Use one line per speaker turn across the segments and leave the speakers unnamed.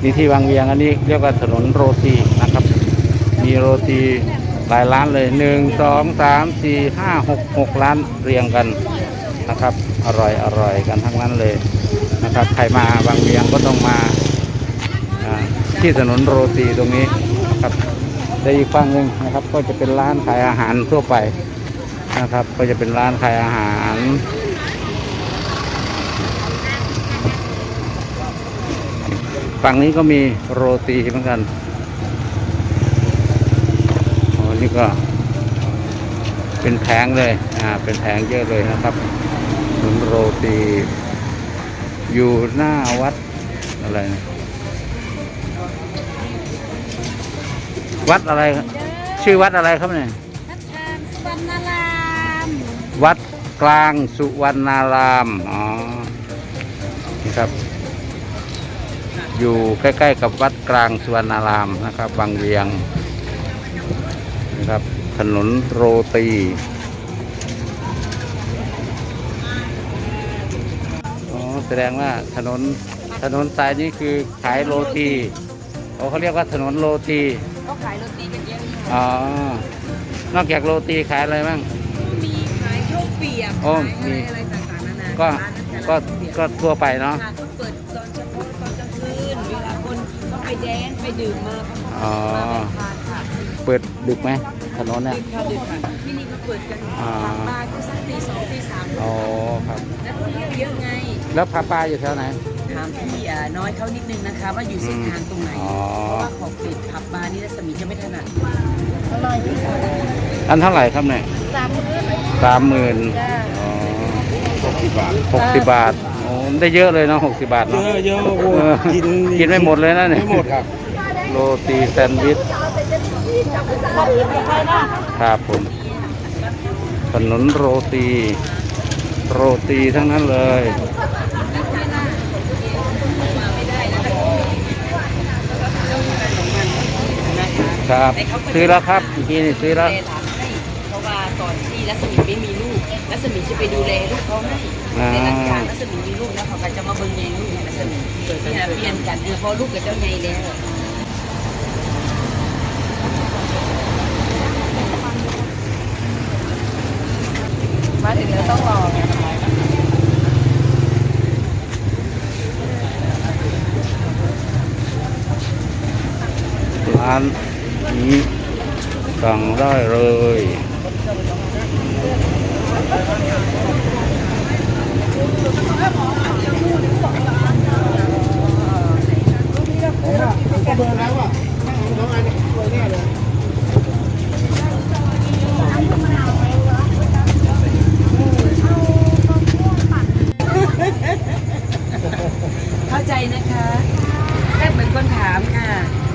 นี่ที่วังเวียงอันนี้เรียกว่าถนนโรตีนะครับมีโรตีหลายร้านเลย1 2 3 4 5 6 ร้านเรียงกันนะครับอร่อยกันทั้งนั้นเลยนะครับใครมาวังเวียงก็ต้องมาที่ถนนโรตีตรงนี้นะครับแต่อีกฝั่งหนึ่งนะครับก็จะเป็นร้านขายอาหารทั่วไปนะครับก็จะเป็นร้านขายอาหารฝั่งนี้ก็มีโรตีเหมือนกันอ๋อนี่ก็เป็นแผงเลยเป็นแผงเยอะเลยนะครับถนนโรตีอยู่หน้าวัดอะไรนะวัดอะไรชื่อวัดอะไรครับเนี่ยวัดกลางสุวรรณารามอ๋อนี่ครับอยู่ใกล้ๆกับวัดกลางสุวรรณารามนะครับวังเวียงนะครับถนนโรตีอ๋อแสดงว่าถนนสายนี้คือขายโรตีเขาเรียกว่าถนนโรตี
ก็ขายโรตีกันเยอะ
อ๋อนอกจากโรตีขายอะไรบ้าง
มีขายข้าวเปียกขายอะไรต่างๆนานา
ก็ทั่วไปเนาะ
ก็เปิดตอนเช้าตอนกลางคืนเวลาคนก็ไปแดนไปดื่มมา
อ๋อ
ทานค่ะ
เปิดดึกไหมถนนเนี่ย
ดึกค่ะที่นี่ก็เปิดกันผับบาร์ก็สักตี 2 ตี 3
อ๋อครับ
แล้วเที่ยวเยอะไง
แล้วผับบาร์อยู่แถวไหน
ถามพี่น้อยเขานิดนึงนะคะว่าอยู่เส้นทางตรงไหนเพราะว่าของปิดผับบาร์นี่รัศมีจะไม่ถนัดอร่อยที่สุด
อันเท่าไหร่ครับเนี่ย30,000อ๋อ60 บาทโอ้ได้เยอะเลยเนาะ60 บาทเนาะ
เยอะ
กินไม่หมดเลยนะเนี่ย
ไม่หมดครับ
โรตีแซนด์วิชครับผมถนนโรตีทั้งนั้นเลยครับซื้อแล้วครับอีกทีนี่ซื้อแล้ว
เพราะว่าตอนที่รัศมีไม่มีลูกรัศมีจะไปดูแลลูกเขาให้ในหลังจากรัศมีมีลูกแล้วเขาก็จะมาเบิ่งใยลูกรัศมีเปลี่ยนกันเพราะลูกกับเจ้าใยแล้วมาถึงแล้วต้องรอ
ร้านนี้สั่งได้เลย
เข้าใจนะคะแค่เหมือนคนถามค่ะ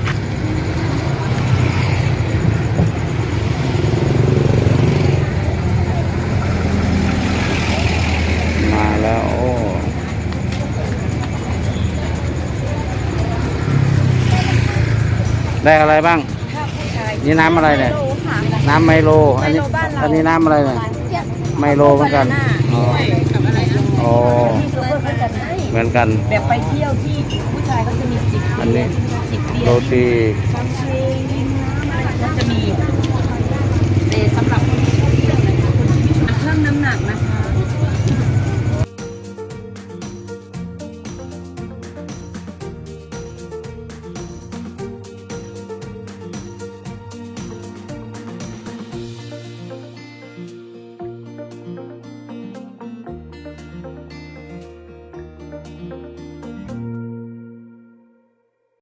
มาแล้วโอ้ได้อะไรบ้างนี่น้ำอะไรเนี่ยน้ำไมโลอันนี้น้ำอะไรเนี่ยไมโลเหมือนกันอ๋อเหมือนกัน
แบบไปเที่ยวที่ผู้ชายเขาจะมีจิบ
อันนี้โรตี
ก็จะมีสำหรับคนที่เพิ่มน้ำหนักนะคะ